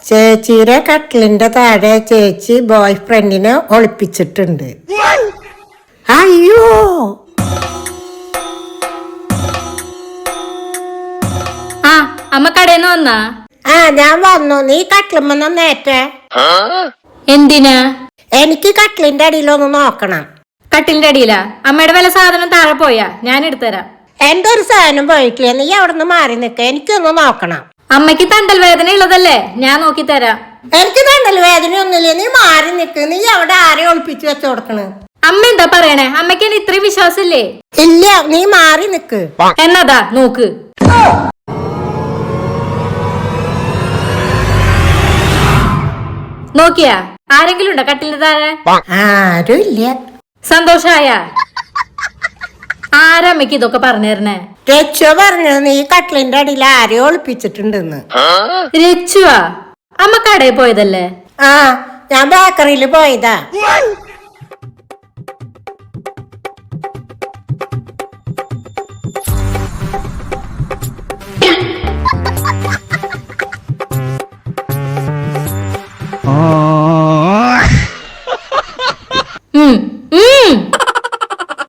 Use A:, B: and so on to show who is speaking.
A: ചേച്ചിയുടെ കട്ടിലിന്റെ താഴെ ചേച്ചി ബോയ് ഫ്രണ്ടിനെ ഒളിപ്പിച്ചിട്ടുണ്ട്. അയ്യോ,
B: ആ അമ്മ കടയിന്ന് വന്നാ?
A: ഞാൻ വന്നു. നീ കട്ടിലുമെന്ന് നേറ്റേ.
B: എന്തിനാ?
A: എനിക്ക് കട്ടിലിന്റെ അടിയിലൊന്ന് നോക്കണം.
B: കട്ടിലിന്റെ അടിയിലാ? അമ്മയുടെ വല്ല സാധനം താഴെ പോയാ? ഞാൻ എടുത്തുതരാം.
A: എന്റെ ഒരു സാധനം പോയിട്ടില്ല. നീ അവിടെ നിന്ന് മാറി നിക്ക, എനിക്കൊന്ന് നോക്കണം.
B: അമ്മയ്ക്ക് തണ്ടൽ വേദന ഉള്ളതല്ലേ, ഞാൻ നോക്കി തരാം.
A: എനിക്ക് തണ്ടൽ വേദനയൊന്നുമില്ല, നീ മാറി നിക്ക്. നീ അവിടെ ആരെ ഒളിപ്പിച്ച് വെച്ച് കൊടുക്കണ്?
B: അമ്മ എന്താ പറയണേ? അമ്മയ്ക്ക് എന്നെ ഇത്രയും വിശ്വാസമില്ലേ?
A: ഇല്ല, നീ മാറി നിക്ക്.
B: എന്നതാ നോക്ക്. നോക്കിയാ? ആരെങ്കിലും ഉണ്ടോ കട്ടിലിന്റെ താഴെ?
A: ആരും ഇല്ല.
B: സന്തോഷായ? ആരമ്മയ്ക്ക് ഇതൊക്കെ പറഞ്ഞു തരണേ?
A: രക്ഷ പറഞ്ഞു നീ കട്ടിലിന്റെ അടിയിൽ ആരെ ഒളിപ്പിച്ചിട്ടുണ്ടെന്ന്.
B: രച്ചുവാ? അമ്മ കടയിൽ പോയതല്ലേ?
A: ഞാൻ ബേക്കറിയിൽ പോയതാ.